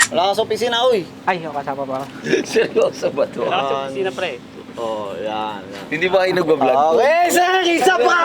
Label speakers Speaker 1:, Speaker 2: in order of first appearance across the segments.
Speaker 1: Wala ka sa opisina, uy.
Speaker 2: Ay, kasama ba ako?
Speaker 3: Seryoso ba to?
Speaker 4: Wala ka sa opisina, pre.
Speaker 1: Oh, yan.
Speaker 3: Hindi ba kayo nagbablog?
Speaker 1: Okay, sir, isa pa!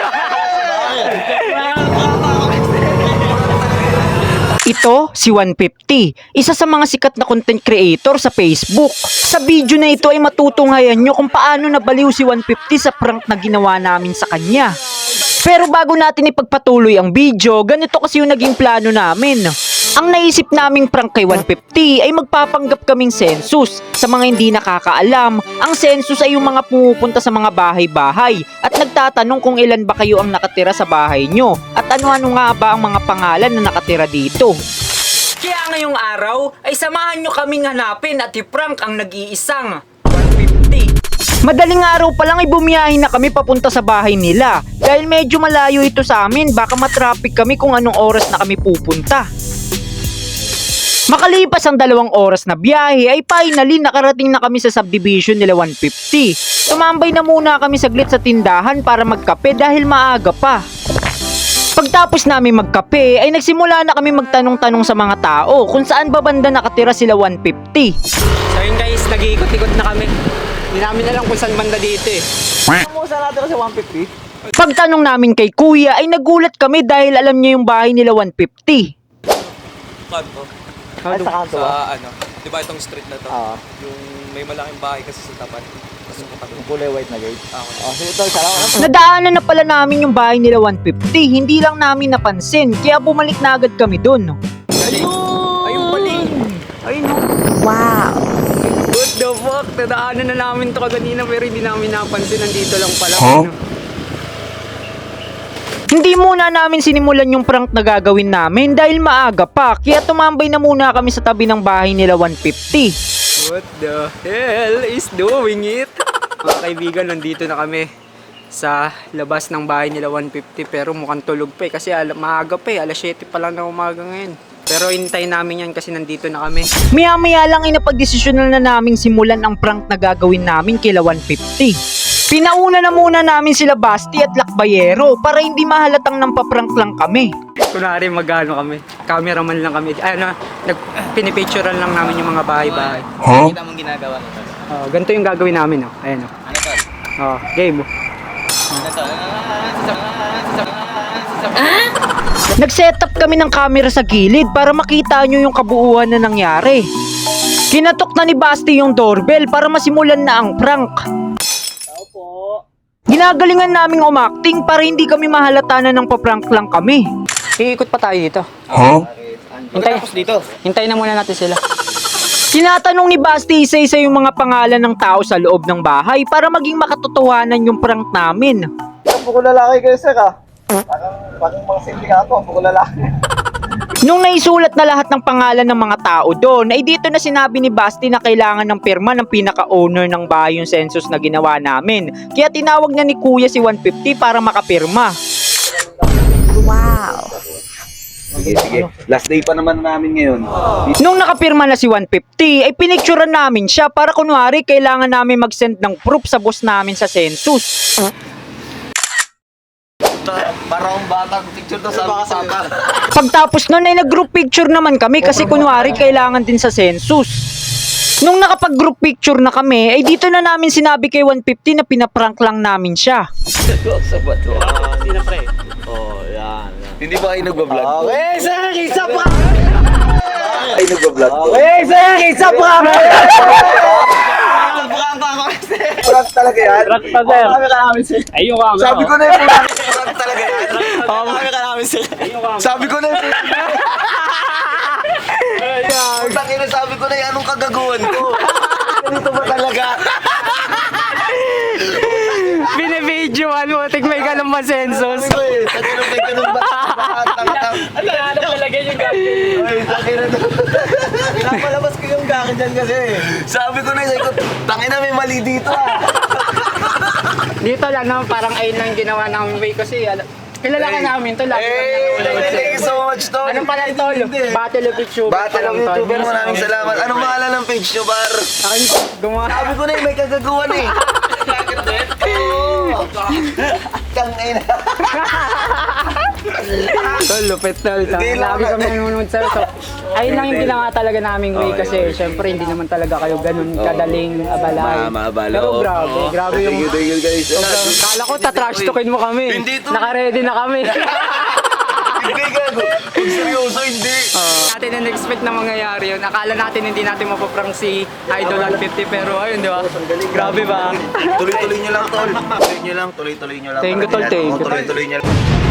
Speaker 2: Ito, si 150, isa sa mga sikat na content creator sa Facebook. Sa video na ito ay matutunghayan nyo kung paano nabaliw si 150 sa prank na ginawa namin sa kanya. Pero bago natin ipagpatuloy ang video, ganito kasi yung naging plano namin. Ang naisip naming prank kay 150 ay magpapanggap kaming census. Sa mga hindi nakakaalam, ang census ay yung mga pumupunta sa mga bahay-bahay at nagtatanong kung ilan ba kayo ang nakatira sa bahay nyo at ano-ano nga ba ang mga pangalan na nakatira dito. Kaya ngayong araw ay samahan nyo kaming hanapin at i-prank ang nag-iisang 150. Madaling araw pa lang ay bumiyahin na kami papunta sa bahay nila. Dahil medyo malayo ito sa amin, baka matraffic kami kung anong oras na kami pupunta. Makalipas ang 2 oras na biyahe ay finally nakarating na kami sa subdivision nila 150. Tumambay na muna kami saglit sa tindahan para magkape dahil maaga pa. Pagtapos namin magkape ay nagsimula na kami magtanong-tanong sa mga tao kung saan ba banda nakatira sila 150. So yun guys, nag-iikot-ikot na kami. Hindi namin alam kung saan banda dito eh.
Speaker 1: Kung saan natin sa 150?
Speaker 2: Pagtanong namin kay kuya ay nagulat kami dahil alam niya yung bahay nila 150.
Speaker 5: Kanto.
Speaker 1: Ay, sa kanto ba?
Speaker 5: Sa ano, di ba itong street na to?
Speaker 1: Oo.
Speaker 5: Yung may malaking bahay kasi sa tapat. Tapos yung katabi.
Speaker 1: Yung kulay white na gate.
Speaker 5: Okay.
Speaker 1: Oh, sige tol, salamat.
Speaker 2: Nadaanan na pala namin yung bahay nila 150, hindi lang namin napansin, kaya bumalik na agad kami dun.
Speaker 5: Ayun pali.
Speaker 2: Ayun no. Wow! What the fuck? Nadaanan na namin to kaganina pero hindi namin napansin, nandito lang pala. Huh? Hindi muna namin sinimulan yung prank na gagawin namin dahil maaga pa, kaya tumambay na muna kami sa tabi ng bahay nila 150. What the hell is doing it? Mga kaibigan, nandito na kami sa labas ng bahay nila 150 pero mukhang tulog pa eh kasi maaga pa eh, alas 7 pa lang na umaga ngayon. Pero hintayin namin yan kasi nandito na kami. Maya-maya lang ay napagdesisyonan na naming simulan ang prank na gagawin namin kila 150. Pinauna na muna namin sila Basti at Lakbayero para hindi mahalatang nang paprank lang kami. Kunwari magano kami, cameraman lang kami. Pinipicturean lang namin yung mga bahay-bahay.
Speaker 3: Huh?
Speaker 1: Kita mong ginagawa nito.
Speaker 2: Ganito yung gagawin namin. Ayan o.
Speaker 1: Ano tol?
Speaker 2: Game.
Speaker 1: Ano tol?
Speaker 2: Nag-setup kami ng camera sa gilid para makita nyo yung kabuuan na nangyari. Kinatok na ni Basti yung doorbell para masimulan na ang prank. Ginagalingan naming umacting para hindi kami mahalata na ng paprank lang kami. Iikot pa tayo dito.
Speaker 3: Huh?
Speaker 2: Hintayin na muna natin sila. Tinatanong ni Basti isa-isa yung mga pangalan ng tao sa loob ng bahay para maging makatotohanan yung prank namin.
Speaker 1: Bukol lalaki kayo, sir, ah. Parang mga sindikato, bukol lalaki.
Speaker 2: Nung naisulat na lahat ng pangalan ng mga tao doon, ay dito na sinabi ni Basti na kailangan ng pirma ng pinaka-owner ng bahay yung census na ginawa namin. Kaya tinawag na ni Kuya si 150 para makapirma. Wow!
Speaker 3: Sige. Last day pa naman namin ngayon.
Speaker 2: Nung nakapirma na si 150, ay pinicturean namin siya para kunwari kailangan namin mag-send ng proof sa boss namin sa census.
Speaker 1: Parang batang picture to sa papa.
Speaker 2: Pagtapos nun ay nag-group picture naman kami kasi kunwari kailangan din sa census. Nung nakapag-group picture na kami, ay dito na namin sinabi kay 150 na pinaprank lang namin siya.
Speaker 3: Seryoso ba to?
Speaker 4: Wala ka sa opisina, pre.
Speaker 1: Oh, yan.
Speaker 3: Hindi ba kayo nagbablog?
Speaker 1: Okay, sir, isa pa!
Speaker 3: Ay, nagbablog to?
Speaker 1: Okay, sir, isa pa! Prank talaga yan?
Speaker 4: Prank pa, sir.
Speaker 1: Marami ka namin, sir.
Speaker 4: Ay, yung camera.
Speaker 1: Sabi ko na yung prank talaga yan. Marami ka namin, sir. Sabi ko na yung Putang ina, sabi ko na yung anong kagaguhan ko. Ganito ba talaga?
Speaker 2: Binibidyoan mo, tigmay ka ng masensos.
Speaker 1: Sabi ko eh, tanong may ganun ba?
Speaker 4: Ano na talaga yung gagawin?
Speaker 1: Ay, tangina na. Pinapalabas ko yung gaki dyan kasi. Sabi ko na yung tangina may mali dito ah.
Speaker 2: Dito lang naman, parang ayun lang ginawa namin way kasi kilala ka namin to.
Speaker 1: Thank you so much, Tol.
Speaker 2: Anong pala ito? Battle of YouTuber.
Speaker 1: Battle of YouTuber, maraming salamat. Anong pangalan ng page nyo, Bar? Sabi ko na yung may kagaguhan eh. Oo. Tangina.
Speaker 4: Tol, lupit tol.
Speaker 1: Hindi lang.
Speaker 4: Lagi kami nanonood sa'yo. So, ayun lang yung ginawa talaga naming way kasi syempre hindi naman talaga kayo ganun kadaling abalay.
Speaker 3: Maabala.
Speaker 4: Pero grabe yung...
Speaker 3: Thank you guys.
Speaker 4: Kala ko tatrash talkin mo kami.
Speaker 1: Hindi to.
Speaker 4: Naka-ready na kami.
Speaker 1: Hindi gago. Kung seryoso, hindi.
Speaker 4: Natin na-expect na mangyayari yun. Akala natin hindi natin mapaprank si Idol 150 pero ayun, di ba? Grabe ba?
Speaker 1: Tuloy-tuloy nyo lang, tol. Tuloy nyo lang, tuloy-tuloy nyo lang.
Speaker 4: Thank you, tol. Thank you.
Speaker 1: Tuloy-tuloy nyo lang.